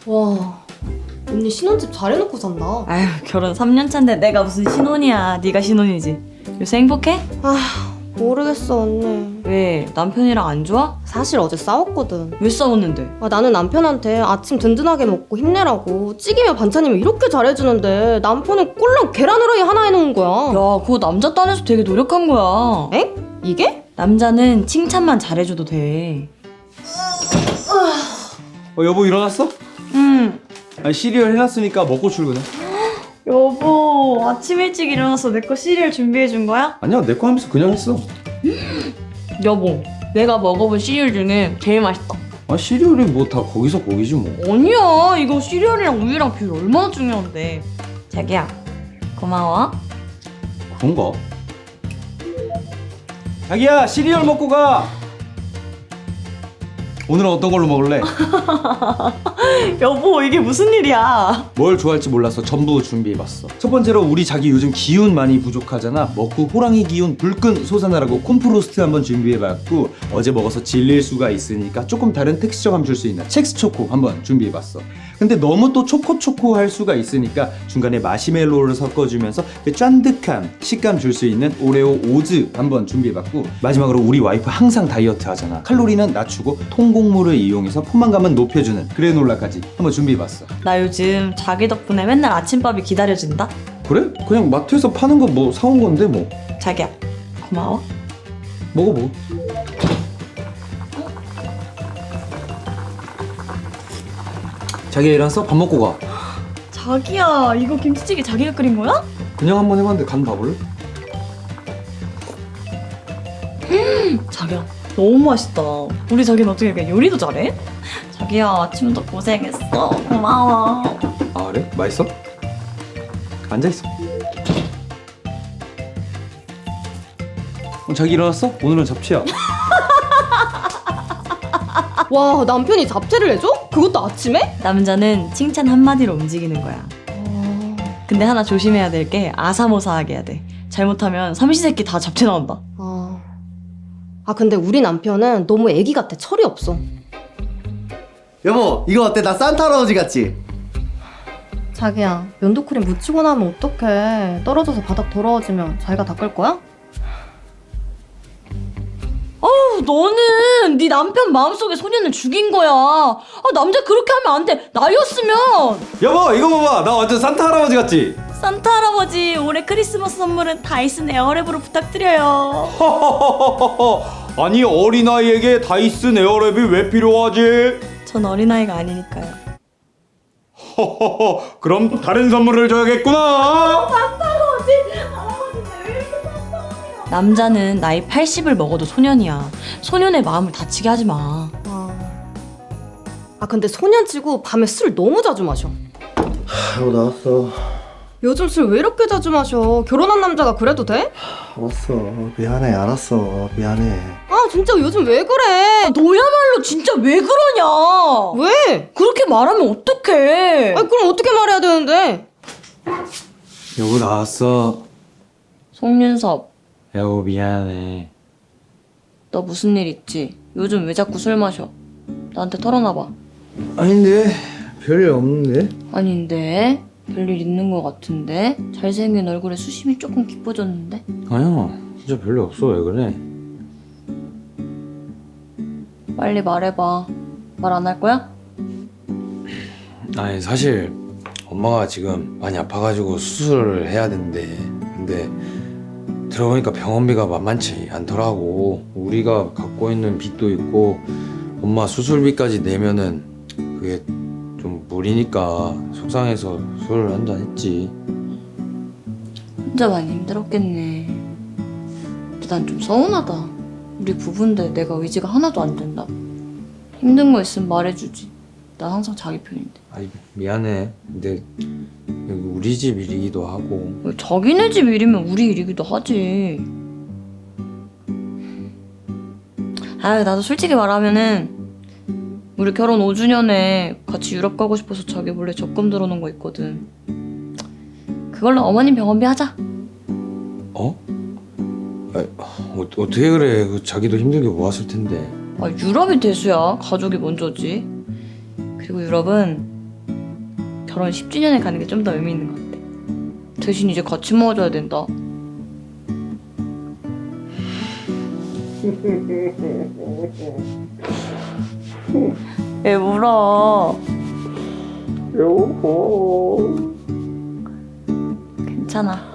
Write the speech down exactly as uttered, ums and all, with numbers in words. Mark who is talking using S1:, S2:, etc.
S1: 와, 언니 신혼집 잘해놓고 산다.
S2: 아휴, 결혼 삼 년 차인데 내가 무슨 신혼이야. 네가 신혼이지. 요새 행복해?
S1: 아, 모르겠어 언니.
S2: 왜? 남편이랑 안 좋아?
S1: 사실 어제 싸웠거든.
S2: 왜 싸웠는데?
S1: 아, 나는 남편한테 아침 든든하게 먹고 힘내라고 찌개며 반찬이며 이렇게 잘해주는데 남편은 꼴랑 계란 후라이 하나 해놓은 거야.
S2: 야, 그거 남자 딴에서 되게 노력한 거야.
S1: 엥? 이게?
S2: 남자는 칭찬만 잘해줘도 돼.
S3: 어 여보 일어났어?
S2: 응.
S3: 아니 시리얼 해놨으니까 먹고 출근해.
S2: 여보, 아침 일찍 일어나서 내 거 시리얼 준비해 준 거야?
S3: 아니야 내 거 하면서 그냥 했어.
S2: 여보, 내가 먹어본 시리얼 중에 제일 맛있다.
S3: 아 시리얼이 뭐 다 거기서 거기지 뭐.
S2: 아니야, 이거 시리얼이랑 우유랑 비율 얼마나 중요한데. 자기야, 고마워.
S3: 그런가? 자기야 시리얼 먹고 가. 오늘은 어떤 걸로 먹을래?
S2: 여보, 이게 무슨 일이야?
S3: 뭘 좋아할지 몰라서 전부 준비해봤어. 첫 번째로 우리 자기 요즘 기운 많이 부족하잖아. 먹고 호랑이 기운 불끈 솟아나라고 콘프로스트 한번 준비해봤고, 어제 먹어서 질릴 수가 있으니까 조금 다른 텍스처감 줄 수 있는 첵스 초코 한번 준비해봤어. 근데 너무 또 초코초코 할 수가 있으니까 중간에 마시멜로를 섞어주면서 그 쫀득함 식감 줄 수 있는 오레오 오즈 한번 준비해봤고, 마지막으로 우리 와이프 항상 다이어트 하잖아. 칼로리는 낮추고 통곡물을 이용해서 포만감은 높여주는 그래놀라까지 한번 준비해봤어.
S2: 나 요즘 자기 덕분에 맨날 아침밥이 기다려진다.
S3: 그래? 그냥 마트에서 파는 거 뭐 사온 건데 뭐.
S2: 자기야, 고마워.
S3: 먹어 먹어. 자기야 일어났어? 밥 먹고 가.
S2: 자기야, 이거 김치찌개 자기가 끓인 거야?
S3: 그냥 한번 해봤는데 간 봐볼래?
S2: 자기야, 너무 맛있다. 우리 자기는 어떻게 이렇게 요리도 잘해? 자기야, 아침부터 고생했어. 고마워.
S3: 아 그래? 맛있어? 앉아있어. 어, 자기 일어났어? 오늘은 잡채야.
S1: 와, 남편이 잡채를 해줘? 그것도 아침에?
S2: 남자는 칭찬 한마디로 움직이는 거야.
S1: 아,
S2: 근데 하나 조심해야 될 게 아사모사하게 해야 돼. 잘못하면 삼시세끼 다 잡채 나온다.
S1: 아, 아 근데 우리 남편은 너무 애기 같아. 철이 없어.
S4: 여보 이거 어때? 나 산타 할아버지 같지?
S1: 자기야, 면도크림 묻히고 나면 어떡해. 떨어져서 바닥 더러워지면 자기가 닦을 거야?
S2: 어우, 너는 네 남편 마음속에 소년을 죽인 거야. 아, 남자 그렇게 하면 안 돼. 나였으면.
S3: 여보 이거 봐봐. 나 완전 산타 할아버지 같지?
S2: 산타 할아버지, 올해 크리스마스 선물은 다이슨 에어랩으로 부탁드려요.
S3: 아니 어린아이에게 다이슨 에어랩이 왜 필요하지?
S2: 전 어린아이가 아니니까요.
S3: 허허허 그럼 다른 선물을 줘야겠구나.
S2: 남자는 나이 팔십을 먹어도 소년이야. 소년의 마음을 다치게 하지 마.
S1: 아, 아 근데 소년치고 밤에 술 너무 자주 마셔.
S4: 여보 나왔어.
S1: 요즘 술 왜 이렇게 자주 마셔? 결혼한 남자가 그래도 돼?
S4: 알았어 미안해 알았어 미안해.
S1: 아 진짜 요즘 왜 그래?
S2: 너야말로 진짜 왜 그러냐?
S1: 왜?
S2: 그렇게 말하면 어떡해?
S1: 아 그럼 어떻게 말해야 되는데?
S3: 여보 나왔어.
S2: 송윤섭,
S3: 여보 미안해.
S2: 너 무슨 일 있지? 요즘 왜 자꾸 술 마셔? 나한테 털어놔봐.
S4: 아닌데 별일 없는데?
S2: 아닌데? 별일 있는 것 같은데? 잘생긴 얼굴에 수심이 조금 깊어졌는데?
S3: 아니야 진짜 별일 없어. 왜 그래?
S2: 빨리 말해봐. 말 안 할 거야?
S5: 아니 사실 엄마가 지금 많이 아파가지고 수술을 해야 된대. 근데 들어보니까 병원비가 만만치 않더라고. 우리가 갖고 있는 빚도 있고 엄마 수술비까지 내면은 그게 좀 무리니까 속상해서 술 한잔 했지.
S2: 혼자 많이 힘들었겠네. 근데 난 좀 서운하다. 우리 부부인데 내가 의지가 하나도 안 된다. 힘든 거 있으면 말해주지. 나 항상 자기 편인데.
S5: 아이 미안해. 근데 여기 우리 집 일이기도 하고.
S2: 왜 자기네 집 일이면 우리 일이기도 하지. 아, 나도 솔직히 말하면은 우리 결혼 오 주년에 같이 유럽 가고 싶어서 자기 몰래 적금 들어놓은 거 있거든. 그걸로 어머님 병원비 하자.
S5: 어? 아, 어, 어떻게 그래? 그 자기도 힘들게 모았을 텐데.
S2: 아, 유럽이 대수야. 가족이 먼저지. 그리고 유럽은 결혼 십 주년에 가는 게 좀 더 의미 있는 것 같아. 대신 이제 같이 먹어줘야 된다. 왜 울어? 괜찮아.